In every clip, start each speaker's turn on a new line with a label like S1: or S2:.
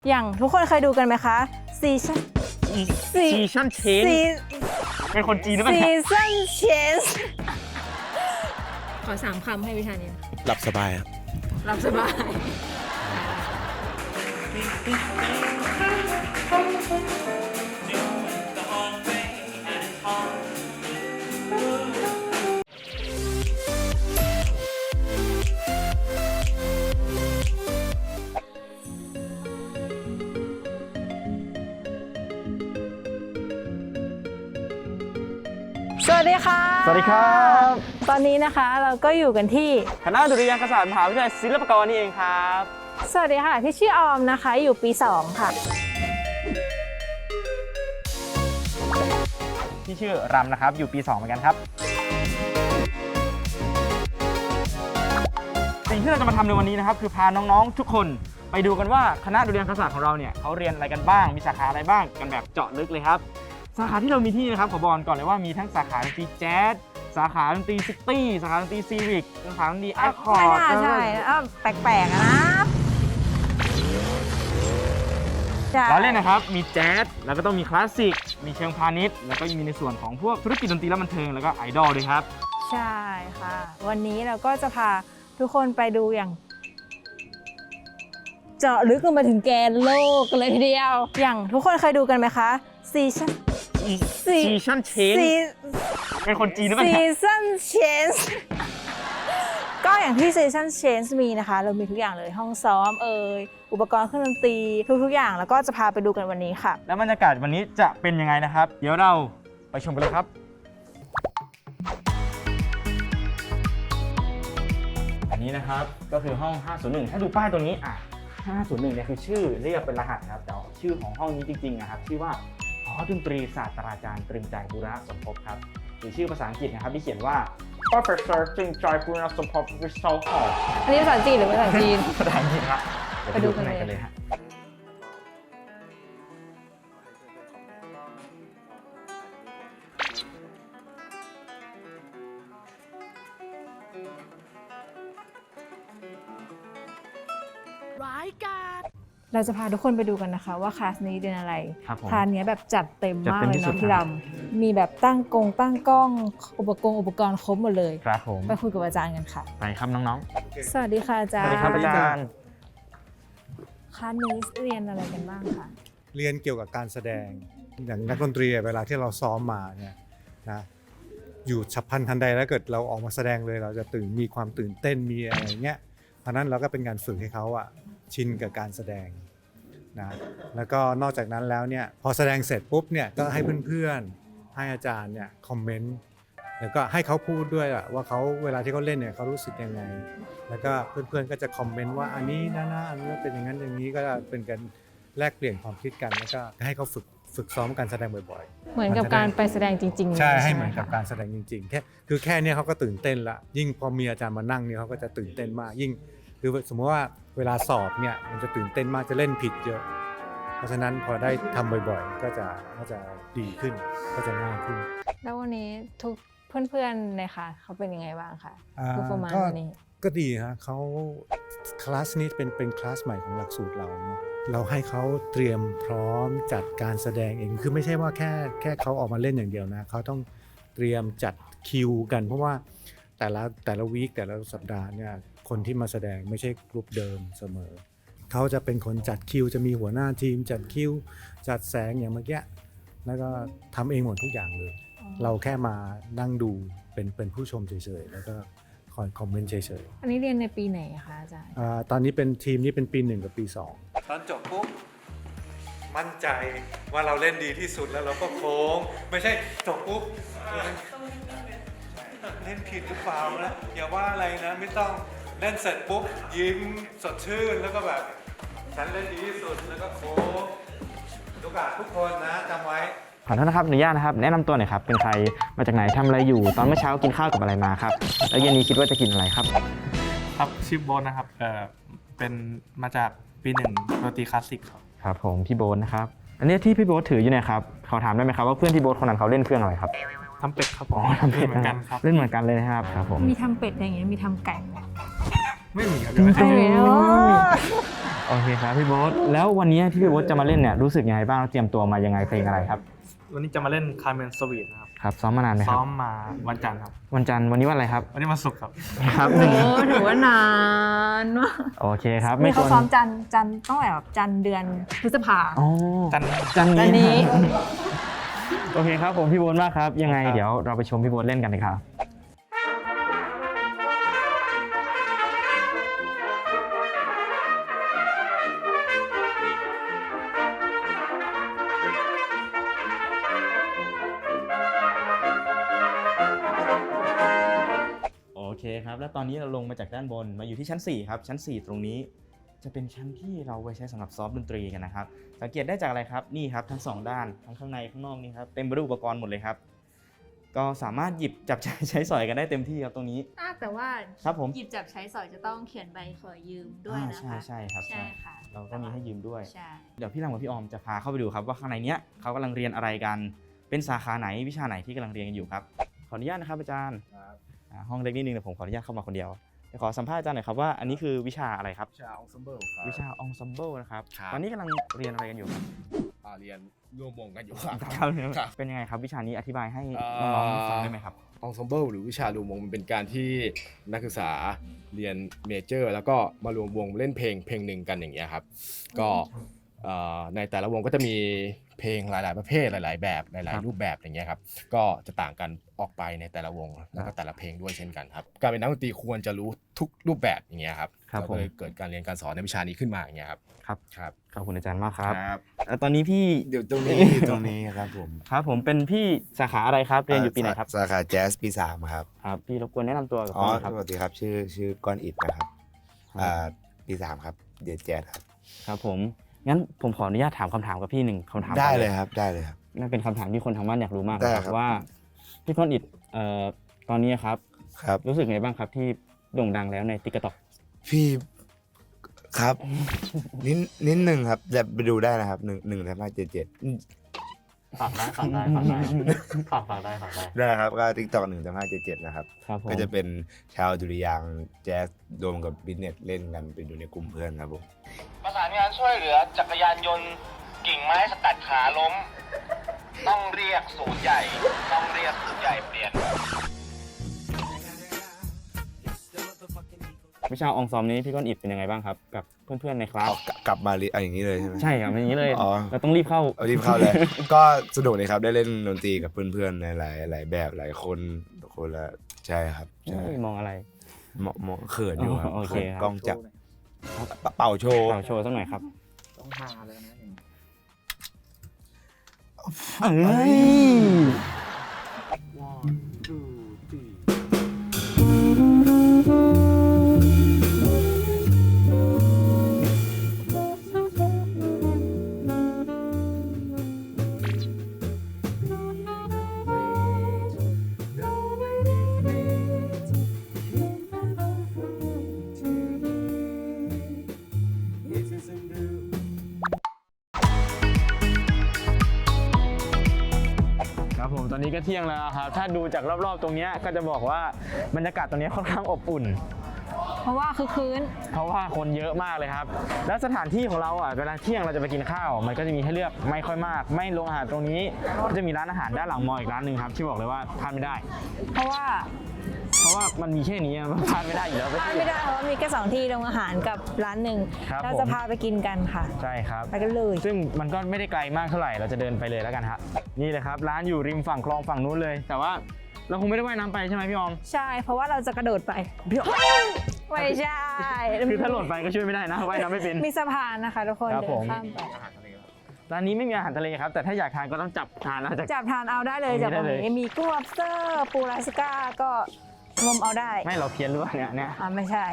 S1: อย่างทุกคนเคยดูกันไหมคะซีชั่น
S2: เชนเป็นคนจีนหรือเปล่า
S1: ซีชั่นเชนขอ3 คำให้วิชานี้
S3: หลับสบายครับ
S1: หลับสบาย สวัสดีค่ะ
S2: สวัสดีครับ
S1: ตอนนี้นะคะเราก็อยู่กันที่
S2: คณะดุริยางคศาสตร์มหาวิทยาลัยศิลปากรนี่เองครับ
S1: สวัสดีค่ะพี่ชื่อออมนะคะอยู่ปี 2 ค่ะ
S2: ที่ชื่อรำนะครับอยู่ปี 2เหมือนกันครับสิ่งที่เราจะมาทำในวันนี้นะครับคือพาน้องๆทุกคนไปดูกันว่าคณะดุริยางคศาสตร์ของเราเนี่ยเขาเรียนอะไรกันบ้างมีสาขาอะไรบ้างกันแบบเจาะลึกเลยครับสาขาที่เรามีที่นะครับขอบอกก่อนเลยว่ามีทั้งสาขาดนตรีแจ๊สสาขาดนตรีซิตี้สาขาดนตรีซีวิกสาขาดนตรีแอคคอร์ด
S1: ไม่น่าใช่แปลกๆนะ
S2: เราเล่นนะครับมีแจ๊สแล้วก็ต้องมีคลาสสิกมีเชิงพาณิชย์แล้วก็มีในส่วนของพวกธุรกิจดนตรีและบันเทิงแล้วก็ไอดอลด้วยครับ
S1: ใช่ค่ะวันนี้เราก็จะพาทุกคนไปดูอย่างเจาะลึกลงมาถึงแกนโลกกันเลยทีเดียวอย่างทุกคนเคยดูกันไหมคะซีชั่น
S2: เชนเป็นคนจีนหรือเปล่า
S1: ซีชั่นเชนก็อย่างที่ซีชั่นเชนมีนะคะเรามีทุกอย่างเลยห้องซ้อมอุปกรณ์เครื่องดนตรีทุกๆอย่างแล้วก็จะพาไปดูกันวันนี้ค่ะ
S2: แล้วบรรยากาศวันนี้จะเป็นยังไงนะครับเดี๋ยวเราไปชมกันเลยครับอันนี้นะครับก็คือห้อง 501 ถ้าดูป้ายตรงนี้501เนี่ยคือชื่อเรียกเป็นรหัสครับแต่ชื่อของห้องนี้จริงๆนะครับชื่อว่าหอดนตรีศาสตราจารย์ตรึงใจบูรณสมภพครับหรือชื่อภาษาอังกฤษนะครับที่เขียนว่า Professor ตรึงใจบูรณสมภพ Research Hall
S1: อันนี้ภาษาจีนหรือภาษาจีน
S2: ภาษาอังกฤษครับ
S1: ไปดูกันเลย
S2: ข้างในฮะ
S1: เราจะพาทุกคนไปดูกันนะคะว่าคลาสนี้เรียนอะไร
S2: ครับผม
S1: คลาสนี้แบบจัดเต็มมากเลย
S2: จัดเต็มที่สุ
S1: เนาะ
S2: ด
S1: พี่
S2: ครั
S1: ล
S2: บ
S1: ำมีแบบตั้งกล้องอุปกรณ์ครบหมดเลย
S2: ครับผม
S1: ไปคุยกับอาจารย์กันค่ะ
S2: ไปครับน้อง
S1: สวัสดีค่ะอา
S2: ๆ
S1: จารย์
S2: สวัสดีครับอาจารย์
S1: คลาสนี้เรียนอะไรกันบ้างคะ
S4: เรียนเกี่ยวกับการแสดงอย่างนักดนตรีเวลาที่เราซ้อมมาเนี่ยนะอยู่ฉับพลันทันใดแล้วเกิดเราออกมาแสดงเลยเราจะมีความตื่นเต้นมีอะไรเงี้ยเพราะนั้นเราก็เป็นการฝึกให้เขาชินกับการแสดงนะแล้วก็นอกจากนั้นแล้วเนี่ยพอแสดงเสร็จปุ๊บเนี่ยก็ให้เพื่อนๆให้อาจารย์เนี่ยคอมเมนต์แล้วก็ให้เขาพูดด้วยว่าเขาเวลาที่เขาเล่นเนี่ยเขารู้สึกยังไงแล้วก็เพื่อนๆก็จะคอมเมนต์ว่าอันนี้นะอันนี้เป็นอย่างนั้นอย่างนี้ก็เป็นการแลกเปลี่ยนความคิดกันแล้วก็ให้เขาฝึกซ้อมการแสดงบ่อยๆ
S1: เหมือนกับการไปแสดงจริงๆ
S4: ใช่ให้
S1: ไ
S4: เหมือนกับการแสดงจริงๆแค่นี้เขาก็ตื่นเต้นละยิ่งพอมีอาจารย์มานั่งเนี่ยเขาก็จะตื่นเต้นมากยิ่งคือสมมติว่าเวลาสอบเนี่ยมันจะตื่นเต้นมากจะเล่นผิดเยอะเพราะฉะนั้นพอได้ทำบ่อยๆก็จะดีขึ้นก็จะง่ายขึ้น
S1: แล้ววันนี้ทุกเพื่อนๆในค่ะเขาเป็นยังไงบ้างคะทุกประมาณวันนี้
S4: ก็ดีฮะเขาคลาสนี้เป็นคลาสใหม่ของหลักสูตรเราเนาะเราให้เขาเตรียมพร้อมจัดการแสดงเองคือไม่ใช่ว่าแค่เขาออกมาเล่นอย่างเดียวนะเขาต้องเตรียมจัดคิวกันเพราะว่าแต่ละวีคแต่ละสัปดาห์เนี่ยคนที่มาแสดงไม่ใช่กลุ่มเดิมเสมอเขาจะเป็นคนจัดคิวจะมีหัวหน้าทีมจัดคิวจัดแสงอย่างเมื่อกี้แล้วก็ทำเองหมดทุกอย่างเลยเราแค่มานั่งดูเป็นผู้ชมเฉยๆแล้วก็คอยคอมเมนต์เฉยๆ
S1: อันนี้เรียนในปีไหนคะอาจารย์
S4: ตอนนี้เป็นทีมนี้เป็นปี 1 กับปี 2 ตอนจบปุ๊บมั่นใจว่าเราเล่นดีที่สุดแล้วเราก็โค้งไม่ใช่จบปุ๊บเล่นผิดหรือเปล่านะอย่าว่าอะไรนะไม่ต้องเล่นเสร็จปุ๊บยิ้มสดชื่นแล้วก็แบบฉันเล่นดีที่สุดแล้วก็โค้งโอกาสทุกคนนะจำไว้
S2: ขอโทษนะครับอนุญาตนะครับแนะนำตัวหน่อยครับเป็นใครมาจากไหนทำอะไรอยู่ตอนเมื่อเช้ากินข้าวกับอะไรมาครับแล้วเย็นนี้คิดว่าจะกินอะไรครับ
S5: ครับชื่อโบนนะครับเป็นมาจากปี1ดนตรีคลาสสิกครับ
S2: ครับผมพี่โบ๊ทนะครับอันนี้ที่พี่โบ๊ทถืออยู่เนี่ยครับขอถามได้ไหมครับว่าเพื่อนพี่โบ๊ทคนนั้นเขาเล่นเครื่องอะไรครับ
S5: ทำเป็ดครับ
S2: อ๋อทำเป็ด
S5: เหมือนกันครับ
S2: เล่นเหมือนกันเลยนะครับครับผม
S1: มีทำเป็ดอย่างเงี้ยมีทำไก่ไหม
S5: ไม่มีครับ
S1: ไม่มีเนอะ
S2: โโอเคครับพี่โบ๊ทแล้ววันนี้ที่พี่โบ๊ทจะมาเล่นเนี่ยรู้สึกยังไงบ้างเตรียมตัวมายังไงเพลงอะไรครับ
S5: วันนี้จะมาเล่นคาร์เมนสวีทนะครับ
S2: ครับซ้อมมานานไหมค
S5: ซ้
S2: รั
S5: อบ มมาวันจันทร์ครับ
S2: วันจันทร์วันนี้วันอะไรครับ
S5: วันนี้วันศุกร์ครับ
S2: ครับ
S1: โอ้ถือว่านานมาก
S2: โอเคครับ
S1: นี่เขา
S2: ควร
S1: ซ้อมจันทร์ต้องแบบจันทร์เดือนพฤษภา
S2: อ๋อ
S5: จันทร์
S2: จันทร์
S1: จันทร์นี้
S2: โอเคครับผมพี่โบ๊ทมากครับยังไงเดี๋ยวเราไปชมพี่โบ๊ทเล่นกันเลยครับโอเคครับแล้วตอนนี้เราลงมาจากด้านบนมาอยู่ที่ชั้น4ครับชั้น4ตรงนี้จะเป็นชั้นที่เราไว้ใช้สำหรับซ้อมดนตรีกันนะครับสังเกตได้จากอะไรครับนี่ครับทั้ง2ด้านทั้งข้างในข้างนอกนี่ครับเต็มไปด้วยอุปกรณ์หมดเลยครับก็สามารถหยิบจับใช้สอยกันได้เต็มที่ครับตรงนี้
S1: แต่ว่า
S2: ครับผม
S1: หยิบจับใช้สอยจะต้องเขียนใบขอยืมด้วยนะคะ
S2: ใช่ครับ
S1: ใช่ค่ะ
S2: เราก็มีให้ยืมด้วย
S1: ใช่
S2: เดี๋ยวพี่รังกับพี่ออมจะพาเข้าไปดูครับว่าข้างในเนี้ยเขากำลังเรียนอะไรกันเป็นสาขาไหนวิชาไหนที่กำลังเรียนกันอยู่ครับขออนุญาตนะครับอาจารย์ห้องเล็กนิดนึงแต่ผมขออนุญาตเข้ามาคนเดียวเดี๋ยวขอสัมภาษณ์อาจารย์หน่อยครับว่าอันนี้คือวิชาอะไรครับ
S3: วิชาองซัมเบิลครับ
S2: วิชาองซัมเบิลนะครับ
S3: ครับ
S2: ตอนนี้กำลังเรียนอะไรกันอยู่ครับ
S3: เรียนร่วมวงกันอยู่ครับ
S2: ครับ
S3: ครับ
S2: เป็นยังไงครับวิชานี้อธิบายให้
S3: เอ่อ
S2: น้องๆฟังได้ไหมครับ
S3: องซัมเบิลหรือวิชารวมวงมันเป็นการที่นักศึกษาเรียนเมเจอร์ แล้วก็มารวมวงเล่นเพลงหนึ่งกันอย่างเงี้ยครับก็ในแต่ละวงก็จะมีเพลงหลายๆประเภทหลายๆแบบหลายๆรูปแบบอย่างเงี้ยครับก็จะต่างกันออกไปในแต่ละวงแล้วก็แต่ละเพลงด้วยเช่นกันครับการเป็นนักดนตรีควรจะรู้ทุกรูปแบบอย่างเงี้ยครับ
S2: ครับ
S3: เราก็เลยเกิดการเรียนการสอนในวิชานี้ขึ้นมาอย่างเงี้ยครับ
S2: ครับ
S3: ครับ
S2: ขอบคุณอาจารย์มากครับ
S3: ครับ
S2: แล้วตอนนี้พี่
S6: เดี๋ยวตรงนี้ ตรงนี้ครับผม
S2: ครับผมเป็นพี่สาขาอะไรครับเรียนอยู่ปีไหนครับ
S6: สาขาแจ๊สปี 3 ครับ
S2: ครับพี่รบกวนแนะนำตัวกับ
S6: อ๋อ
S2: ผมหน่อยครับ
S6: สวัสดีครับ ชื่อก้อนอิดนะครับ
S2: ครับ
S6: ปี 3 ครับเดียนแจ๊สครับ
S2: ครับผมงั้นผมขออนุญาตถามคำถามกับพี่หนึ่งคำถาม
S6: ได้
S2: ก่อน
S6: เลยครับได้เลยครับ
S2: นั่นเป็นคำถามที่คนทางบ้านอยากรู้มาก
S6: ได้
S2: นะครับ
S6: ครับ
S2: ว่าพี่ก้อนอิดตอนนี้ครับ
S6: ครับ
S2: รู้สึกไงบ้างครับที่โด่งดังแล้วในติ๊กต็อก
S6: พี่ครับ นิดหนึ่งครับจะไปดูได้นะครับ1.577
S5: ฝากได้ฝากได้ฝากได้
S6: ได้ครับก็ TikTok 1.577นะครับ
S2: ครับผม
S6: ก็จะเป็นชาวดุริยางค์แจ๊สรวมกับบิสเนสเล่นกันไปอยู่ในกลุ่มเพื่อนครับผม
S7: ประสานงานช่วยเหลือจักรยานยนต์กิ่งไม้สกัดขาล้ม ต้องเรียกศูนย์ใหญ่เปลี่ยน
S2: วิชาอองซอมนี้พี่ก้อนอิดเป็นยังไงบ้างครับกับเพื่อนๆในคลาส
S6: เอากลับมาอย่างนี้เลยใช่ไหม
S2: ใช่ครับเป็นอย่างนี้เลย
S6: อ๋อ
S2: เราต้องรีบเข้า
S6: เอารีบเข้าเลย ก็สนุกเลยครับได้เล่นดนตรีกับเพื่อนๆในหลายแบบหลายคนละใช่ครับใช่
S2: เฮ้ยมองอะไร
S6: เหมาะเขินอยู่ครับ
S2: โอเคครับ
S6: กล้องจับเป่าโชว์
S2: เป่าโชว์สักหน่อยครับ
S5: ต้องหาเลยนะ
S2: เอ้ย ครับผมตอนนี้ก็เที่ยงแล้วครับถ้าดูจากรอบๆตรงเนี้ยก็จะบอกว่าบรรยากาศตรงนี้ค่อนข้างอบอุ่น
S1: เพราะว่าคือคืน
S2: เพราะว่าคนเยอะมากเลยครับ แล้วสถานที่ของเราเวลาเที่ยงเราจะไปกินข้าว มันก็จะมีให้เลือกไม่ค่อยมาก ไม่โรงอาหารตรงนี้ก็จะมีร้านอาหารด้านหลังมออีกร้านหนึ่งครับที่บอกเลยว่าพลาดไม่ได้
S1: เพราะว่า
S2: เพราะว่ามันมีแค่นี้มันพลาดไม่ได้อยู่แล้ว
S1: พลาดไม่ได้เพราะว่ามีแค่2ที่โรงอาหารกับร้านหนึ่ง
S2: ครับ
S1: เราจะพาไปกินกันค่ะ
S2: ใช่ครับ
S1: ไปกันเลย
S2: ซึ่งมันก็ไม่ได้ไกลมากเท่าไหร่เราจะเดินไปเลยแล้วกันฮะนี่เลยครับร้านอยู่ริมฝั่งคลองฝั่งนู้นเลย แต่ว่าเราคงไม่ได้ว่ายน้ำไปใช่ไหมพี่ออม
S1: ใช่เพราะว่าเราจะกระโดดไปไม่ใช่
S2: คือถ้าหล่นไปก็ช่วยไม่ได้นะว่ายน้ำไม่เป็น
S1: มีสะพานนะคะทุกคน
S2: ครับ
S1: เดิ
S2: ผ
S1: น
S2: ม
S1: ข้ามไป
S2: ร้านนี้ไม่มีอาหารทะเลครับ แต่ถ้าอยากทานก็ต้องจับทานนะจาก
S1: จับทานเอาได้เลย
S2: ต
S1: จาก
S2: รงนี้
S1: ตรง
S2: ได้
S1: นี้
S2: เลย
S1: มีกุ้ง lobster ปูลาสก้าก็งมเอาได้
S2: ไม่เราเพี้ยนหรือเปล่าเนี่ย
S1: ไม่ใช่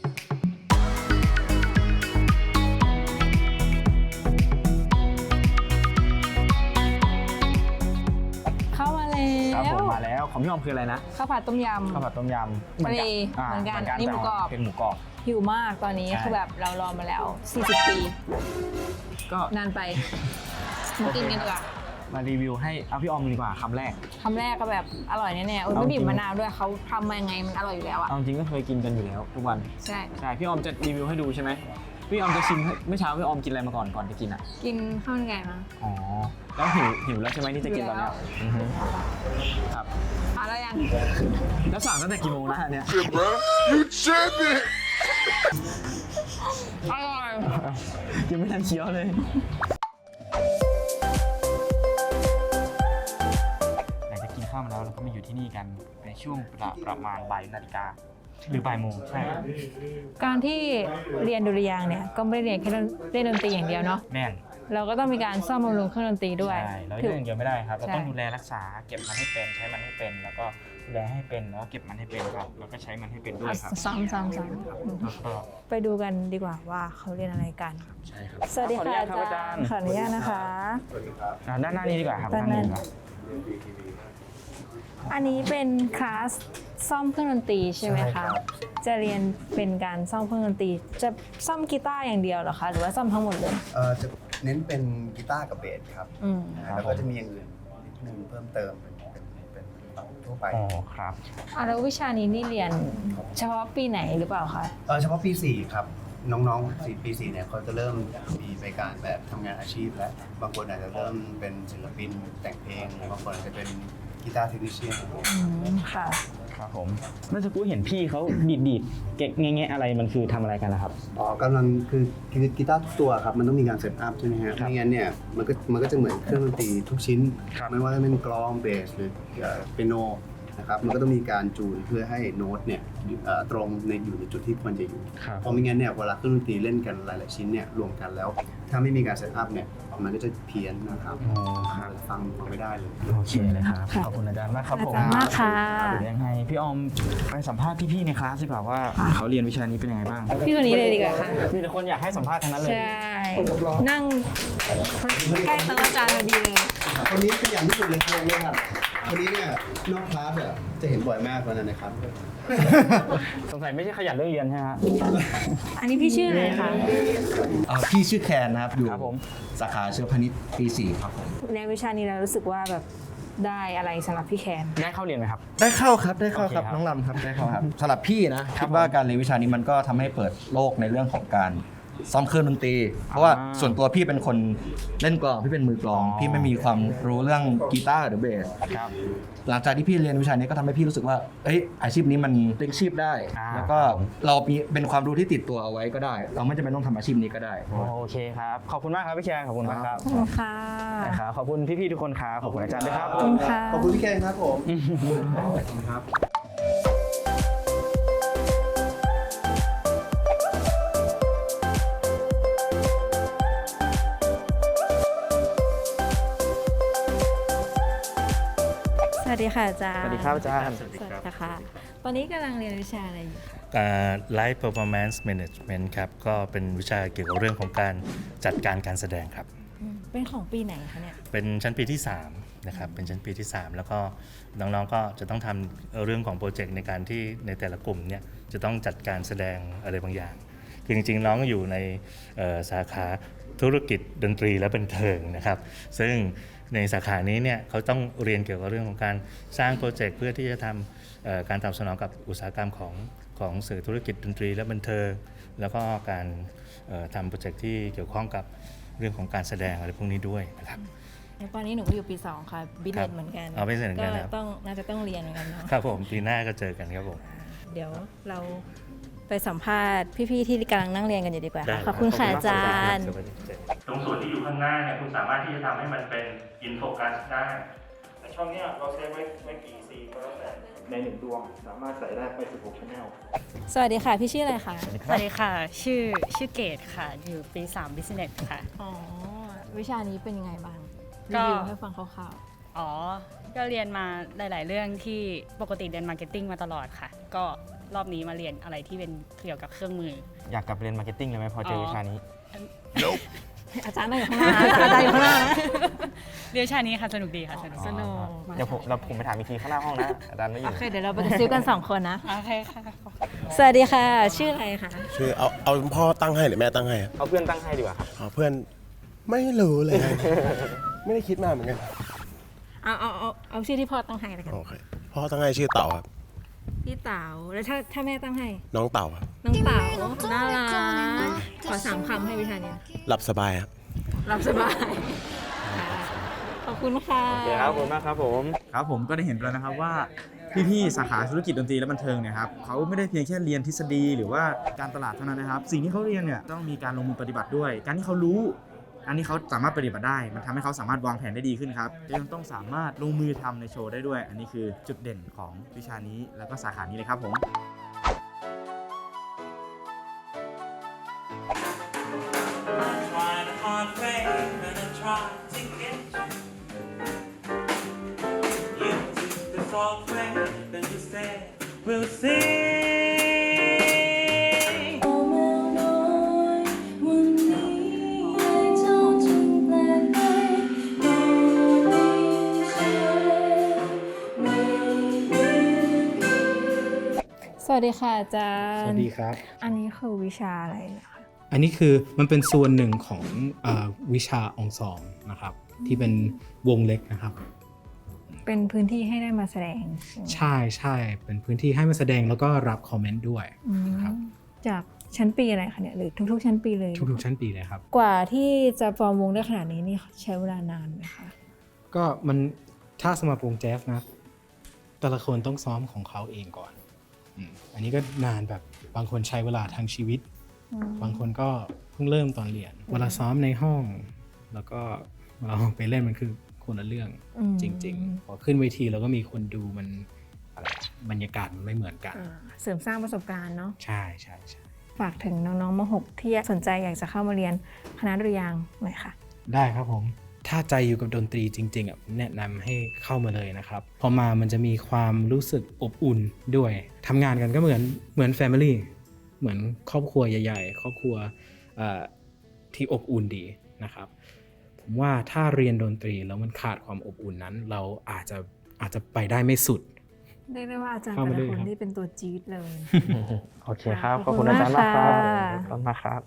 S1: เข้ามาแล้
S2: ครับผ
S1: ว
S2: มมาแล้วของพี่ออมคืออะไรนะ
S1: ข้าวผัดต้มย
S2: ข้าวผัดต้มยำ
S1: ทะเล
S2: อ่า
S1: เหมือนกัน
S2: แต่
S1: นี่หมูกรอบ
S2: เป็นหมูกรอบ
S1: ำหิวมากตอนนี้
S2: ใช่
S1: คือแบบเรารอมาแล้ว 40 ปี
S2: ก็
S1: นานไปมากินกันดีกว่า
S2: มารีวิวให้เอาพี่ออมดีกว่าคำแรก
S1: คำแรกก็แบบอร่อยแน่ๆโอ้ย
S2: เอา
S1: ไม่
S2: จริ
S1: บี
S2: ง
S1: บมะนาวด้วยเขาทำมายังไงมันอร่อยอยู่แล้วอะ
S2: เอาจริงก็เคยกินกันอยู่แล้วทุกวัน
S1: ใช่
S2: ใช่พี่ออมจะรีวิวให้ดูใช่ไหมพี่ออมจะชิมเมื่อเช้าพี่ออมกินอะไรมาก่อนจะกินอ่ะ
S1: กินข้าวมันไก่มา
S2: อ๋อ แล้วหิวแล้วใช่ไหมที่จะกินตอนเนี้ยอือฮึครับ
S1: มาแล้วยัง
S2: แล้วสั่งตั้งแต่กี่โมงนะเนี่ย
S1: อร่อย
S2: ยังไม่ทันเคี้ยวเลย หลังจากกินข้าวมาแล้วเราก็มาอยู่ที่นี่กันในช่วงประมาณบ่ายนาฬิกาหรือบ่ายโมงใช่
S1: การที่เรียนดุริยางค์เนี่ยก็ไม่ได้เรียนแค่เล่นดนตรีอย่างเดียวเนาะ
S2: แน่น
S1: เราก็ต้องมีการซ่อมบำรุงเครื่องดนตรีด้วย
S2: ใช่แล้วเรื่องเดียวไม่ได้ครับ เราต้อง
S1: ใช่
S2: ดูแลรักษาเก็บมันให้เป็นใช้มันให้เป็น แล้วก็ดูแลให้เป็นแล้วก็เก็บมันให้เป็นครับแล้วก็ใช้มันให้เป็นด้วยครับ
S1: ซ้อม
S2: แล้วก็
S1: ไปดูกันดีกว่าว่าเขาเรียนอะไรกัน
S2: ใช่ครับ
S1: สวัสดีค่ะ
S2: ขออนุญาตครับอาจารย์
S1: ขออนุญาตนะคะ
S2: ด้านหน้านี้ดีกว่าครับ
S1: ด้านหน้า
S2: ดีกว่า
S1: อันนี้เป็นคลาสซ่อมเครื่องดนตรีใช่ไหมคะ จะเรียนเป็นการซ่อมเครื่องดนตรี จะซ่อมกีตาร์อย่างเดียวเหรอคะ หรือว่าซ่อมทั้งหมดเลย
S8: จะเน้นเป็นกีตาร์กับเบสครับ
S1: อืม
S8: แล้วก็จะมีอย่างอื่นนิดนึงเพิ่มเติมเป็นทั่วไป
S2: อ๋อครับ
S1: แล้ววิชานี้นี่เรียนเฉพาะปีไหนหรือเปล่าคะ
S8: เฉพาะปี 4 ครับ น้องๆปี 4 เนี่ยเขาจะเริ่มมีไปการแบบทำงานอาชีพแล้ว บางคนอาจจะเริ่มเป็นศิลปินแต่งเพลงบางคนอาจจะเป็นกีตาร์เทคนิชเชียน
S1: ค่ะ
S2: ครับผมเมื่อสักครู่เห็นพี่เขาดีดเก๊กแง่ๆอะไรมันคือทำอะไรกันนะครับ
S8: กำลังคือกีตาร์ทุกตัวครับ มันต้องมีการเซตอัพใช่ไหมฮะไม่งั้นเนี่ยมันก็จะเหมือนเครื่องดนตรีทุกชิ้น ไม่ว่าจะเป็นกลองเบสหรือเปียโนนะครับมันก็ต้องมีการจูนเพื่อให้โน้ตเนี่ยตรงอยู่ในจุดที่ควรจะอยู่
S2: ครับ
S8: เพราะไม่งั้นเนี่ยเวลาเครื่องดนตรีเล่นกันหลายๆชิ้นเนี่ยรวมกันแล้ว ถ้าไม่มีการเซตอัพเนี่ยมันก็จะเพี้ยนนะครับ
S2: อ๋อครับ
S8: ฟังไม่ได้เลย
S2: โอเคเลยครับ
S1: ค่ะ
S2: ขอบคุณอาจารย์มากครับผม
S1: อาจารย์มากค่ะ
S2: เดี๋ยวยังไงพี่ออมไปสัมภาษณ์พี่ๆในคลาสดีกว่าว่าเขาเรียนวิชานี้เป็นยังไงบ้าง
S1: พี่คนนี้เลยดีกว่าค่ะ
S2: มีแต่คนอยากให้สัมภาษณ์ทั้งนั้นเลย
S1: ใช่ นั่งใกล้โต๊ะอาจารย์พอดีเลย
S8: คนนี้ขยันที่สุดเลยครับคนนี้เนี่ยนอกคลาสอ่ะจะเห็นบ่อยมากวันนั้นนะครับ
S2: สงสัยไม่ใช่ขยันเรื่องเรียนใช่ไหมฮะ
S1: อันนี้พี่ชื่ออะไรคะ
S9: พี่ชื่อแคนนะครับ อยู่
S2: ครับผม
S9: สาขาเชื้อพาณิชย์ปี 4 ครับผม
S1: ในวิชานี้เรารู้สึกว่าแบบได้อะไรสำหรับพี่แคน
S2: ได้เข้าเรียนไหมครับ
S9: ได้เข้าครับได้เข้าครับ
S2: โอเคครับ
S9: น้องลำครับได้เข้าครับสำหรับพี่นะคิดว่าการเรียนวิชานี้มันก็ทำให้เปิดโลกในเรื่องของการซ้อมเครื่องดนตรี เพราะว่าส่วนตัวพี่เป็นคนเล่นกลองพี่เป็นมือกลอง พี่ไม่มีความรู้เรื่องกีตาร์หรือเบส
S2: ครับ
S9: หลังจากที่พี่เรียนวิชานี้ก็ทำให้พี่รู้สึกว่าเอ้ยอาชีพนี้มันเลี้ยงชีพได้ แล้วก็เรามีเป็นความรู้ที่ติดตัวเอาไว้ก็ได้ เราไม่จำเป็นต้องทำอาชีพนี้ก็ได้
S2: โอเคครับ ขอบคุณมากครับพี่แคนขอบคุณมากครับ
S1: ขอบคุณค่ะ
S2: นะครับขอบคุณพี่ๆทุกคนครับขอบคุณอาจารย์ด้วยครับ
S1: ขอบคุณค่ะ
S8: ขอบคุณพี่แคนครับผมขอบคุณครับ
S1: สวัสดีค่ะอาจารย์
S2: สวัสดีครับอาจารย์
S1: สวัสดีค่ะ ตอนนี้กำลังเรียนวิชาอะไรอยู่คะ
S10: Live Performance Management ครับก็เป็นวิชาเกี่ยวกับเรื่องของการจัดการการแสดงครับ
S1: เป็นของปีไหนคะเนี่ย
S10: เป็นชั้นปีที่3นะครับเป็นชั้นปีที่ 3 แล้วก็น้องๆก็จะต้องทำเรื่องของโปรเจกต์ในการที่ในแต่ละกลุ่มเนี่ยจะต้องจัดการแสดงอะไรบางอย่างคือจริงๆน้องอยู่ในสาขาธุรกิจดนตรีและบันเทิงนะครับซึ่งในสาขานี้เนี่ยเขาต้องเรียนเกี่ยวกับเรื่องของการสร้างโปรเจกต์เพื่อที่จะทำการตอบสนองกับอุตสาหกรรมของสื่อธุรกิจดนตรีและบันเทิงแล้วก็การทำโปรเจกต์ที่เกี่ยวข้องกับเรื่องของการแสดงอะไรพวกนี้ด้วยนะครับ
S1: ตอนนี้หนูก็อยู่ปี 2 ค่ะบิเนตเหมือนกัน
S10: อ๋อ business เหมือนกันครับ
S1: น่าจะต้องเรียนเหมือนกันเนาะ
S10: ครับผมปีหน้าก็เจอกันครับผม
S1: เดี๋ยวเราไปสัมภาษณ์พี่ๆที่กำลังนั่งเรียนกันอยู่ดีกว่า
S10: ได้
S1: ค่ะขอบคุณค่ะอาจารย์
S10: ตรงส่วนที่อยู่ข้างหน้าเนี่ยคุณสามารถที่จะทำให้มันเป็นอินโฟกัสได้ช่องนี้เราใช้ไว้กี่ซีก็แล้วแต่ใน1ดวงสามารถใส่ได้ไป16 channel
S1: สวัสดีค่ะ พี่ชื่ออะไรคะ
S11: สวัสดีค่ะ ชื่อเกดค่ะ อยู่ปี 3 Business ค่ะ
S1: อ๋อ วิชานี้เป็นยังไงบ้าง
S11: ก็
S1: รีวิวให้ฟังคร่าว
S11: อ๋อ ก็เรียนมาหลาย ๆ เรื่องที่ปกติเรียนมาร์เก็ตติ้งมาตลอดค่ะ ก็รอบนี้มาเรียนอะไรที่เป็นเกี่ยวกับเครื่องมือ
S2: อยากกลับเรียนมาร์เก็ตติ้งเลยไหมพอเจอวิชานี้
S1: ๆ อาจารย์นั่งอยู่ข้างหน้าอาจารย์อยู่ข้างหน้านะ
S11: เรียนวิชานี้ค่ะ สนุกดีค่ะ สนุก
S1: สนุก
S2: เดี๋ยวผมไปถามอีกทีข้างหน้าห้องนะอาจารย์ไม่อ
S1: โอยู่ เค เดี๋ยวเราไปกระซิบกัน 2 คนนะ
S11: โอเคค่ะ
S1: สวัสดีค่ะ ชื่ออะไรคะ
S12: ชื่อเอาพ่อตั้งให้หรือแม่ตั้งให้ครับ
S2: เอาเพื่อนตั้งให้ดีกว่าครับ
S12: เพื่อนไม่รู้เลย ไม่ได้คิดมากเหมือนกัน
S1: เอาชื่อที่พ่อต้องให้แล้วกัน
S12: โอเคพ่อตั้งให้ชื่อเต่าครับ
S1: พี่เต๋าแล้วถ้าแม่ตั้งให้
S12: น้องเต่าครับ
S1: น้องเต๋าน่ารักขอ3 คำให้วิชานี้
S12: หลับสบายครับ
S1: รับสบายขอบคุณค่ะ
S2: โอเคครับขอบคุณมากครับผมครับผมก็ได้เห็นไปแล้วนะครับว่าพี่ๆสาขาธุรกิจดนตรีและบันเทิงเนี่ยครับเขาไม่ได้เพียงแค่เรียนทฤษฎีหรือว่าการตลาดเท่านั้นนะครับ สิ่งที่เขาเรียนเนี่ยต้องมีการลงมือปฏิบัติด้วย การที่เขารู้อันนี้เขาสามารถปฏิบัติได้มันทำให้เขาสามารถวางแผนได้ดีขึ้นครับยังต้องสามารถลงมือทำในโชว์ได้ด้วย อันนี้คือจุดเด่นของวิชานี้แล้วก็สาขานี้เลยครับผม
S1: สวัสดีค่ะอาจารย์
S13: สวัสดีครับ
S1: อันนี้คือวิชาอะไรนะคะ
S13: อันนี้คือมันเป็นส่วนหนึ่งของวิชาองซอมนะครับที่เป็นวงเล็กนะครับ
S1: เป็นพื้นที่ให้ได้มาแสดง
S13: ใช่ใช่เป็นพื้นที่ให้มาแสดงแล้วก็รับคอมเมนต์ด้วยครับ
S1: จากชั้นปีอะไรคะเนี่ยหรือทุกๆชั้นปีเลย
S13: ทุกๆชั้นปีเลยครับ
S1: กว่าที่จะฟอร์มวงได้ขนาดนี้นี่ใช้เวลานานไหมคะ
S13: ก็มันถ้าสำหรับวงแจ๊สนะแต่ละคนต้องซ้อมของเขาเองก่อนอันนี้ก็นานแบบบางคนใช้เวลาทั้งชีวิต บางคนก็เพิ่งเริ่มตอนเรียนเวลาซ้อมในห้อง แล้วก็เราไปเล่นมันคือคนละเรื่องจริงๆพอขึ้นเวทีแล้วก็มีคนดูมันอะไรบรรยากาศมันไม่เหมือนกัน
S1: เสริมสร้างประสบการณ์เนาะ
S13: ใช่ใช่ใช่
S1: ฝากถึงน้องๆม.6 ที่สนใจอยากจะเข้ามาเรียนคณะดุริยางค์หน่อยค่ะ
S13: ได้ครับผมถ้าใจอยู่กับดนตรีจริงๆแนะนำให้เข้ามาเลยนะครับพอมามันจะมีความรู้สึกอบอุ่นด้วยทำงานกันก็เหมือน Family เหมือนครอบครัวใหญ่ๆครอบครัวที่อบอุ่นดีนะครับผมว่าถ้าเรียนดนตรีแล้วมันขาดความอบอุ่นนั้นเราอาจจะไปได้ไม่สุด
S1: เรียกได้ว่าอาจารย์แต่ละคนที่เป็นตัวจี๊ดเลย
S2: โอเคครับ ขอบคุณอาจารย์มากครับขอบคุณมากครับ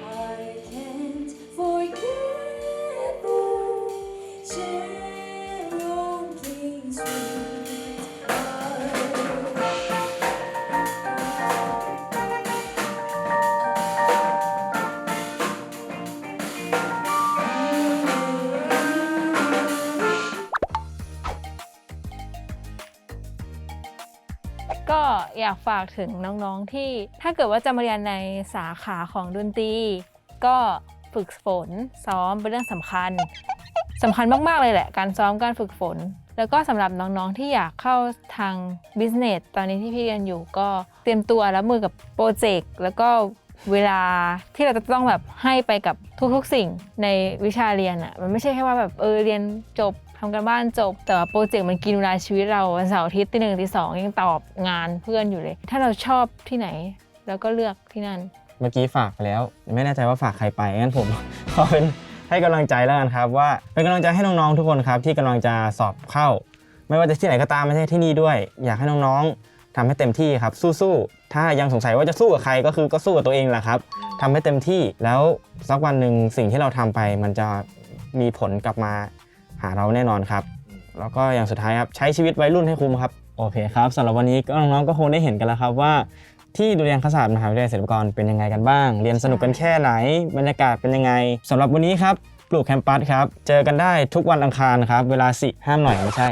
S1: ก็อยากฝากถึงน้องๆที่ถ้าเกิดว่าจะมาเรียนในสาขาของดนตรีก็ฝึกฝนซ้อมเป็นเรื่องสำคัญมากๆเลยแหละการซ้อมการฝึกฝนแล้วก็สำหรับน้องๆที่อยากเข้าทาง business ตอนนี้ที่พี่เรียนอยู่ก็เตรียมตัวรับมือกับโปรเจกต์แล้วก็เวลาที่เราจะต้องแบบให้ไปกับทุกๆสิ่งในวิชาเรียนอ่ะมันไม่ใช่แค่ว่าแบบเรียนจบทำการบ้านจบแต่ว่าโปรเจกต์มันกินเวลาชีวิตเราวันเสาร์อาทิตย์ตี 1 ตี 2ยังตอบงานเพื่อนอยู่เลย ถ้าเราชอบที่ไหนแล้วก็เลือกที่นั่น
S2: เมื่อกี้ฝากไปแล้วไม่แน่ใจว่าฝากใครไปงั้นผม ขอเป็นให้กำลังใจแล้วกันครับว่าเป็นกำลังใจให้น้องๆทุกคนครับที่กำลังจะสอบเข้า ไม่ว่าจะที่ไหนก็ตามไม่ใช่ที่นี่ด้วย อยากให้น้องๆทำให้เต็มที่ครับสู้ๆถ้ายังสงสัยว่าจะสู้กับใครก็คือก็สู้กับตัวเองแหละครับทำให้เต็มที่แล้วสักวันหนึ่งสิ่งที่เราทำไปมันจะมีผลกลับมาหาเราแน่นอนครับแล้วก็อย่างสุดท้ายครับใช้ชีวิตวัยรุ่นให้คุ้มครับโอเคครับสำหรับวันนี้ก็น้องๆก็คงได้เห็นกันแล้วครับว่าที่ดุริยางคศาสตร์มหาวิทยาลัยศิลปากรเป็นยังไงกันบ้างเรียนสนุกกันแค่ไหนบรรยากาศเป็นยังไงสำหรับวันนี้ครับปลูกแคมปัสครับเจอกันได้ทุกวันอังคารครับเวลาห้ามหน่อยไม่ใช่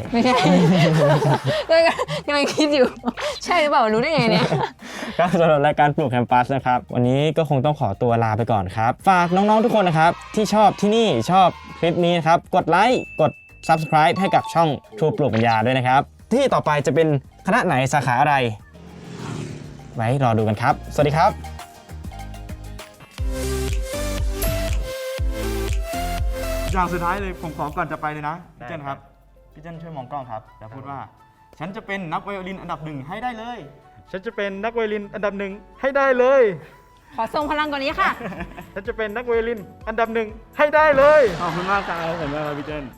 S1: กำลังคิดอยู่ใช่หรือเปล่ารู้ได้ไงเนี่ย
S2: ก็สำหรับรายการปลูกแคมปัสนะครับวันนี้ก็คงต้องขอตัวลาไปก่อนครับฝากน้องๆทุกคนนะครับที่ชอบที่นี่ชอบคลิปนี้นะครับกดไลค์กด Subscribe ให้กับช่องทรูปลูกปัญญาด้วยนะครับที่ต่อไปจะเป็นคณะไหนสาขาอะไรไว้รอดูกันครับสวัสดีครับอย่างสุดท้ายเลยผมขอก่อนจะไปเลยนะพี่เจนครับพี่เจนช่วยมองกล้องครับแล้วพูดว่าฉันจะเป็นนักไวโอลินอันดับ 1ให้ได้เลยฉันจะเป็นนักไวโอลินอันดับ 1ให้ได้เลย
S1: ขอส่งพลังกว่านี้ค่ะ
S2: ฉันจะเป็นนักไวโอลินอันดับ 1ให้ได้เลยขอบคุณมากครับขอบคุณมากครับพี่เจน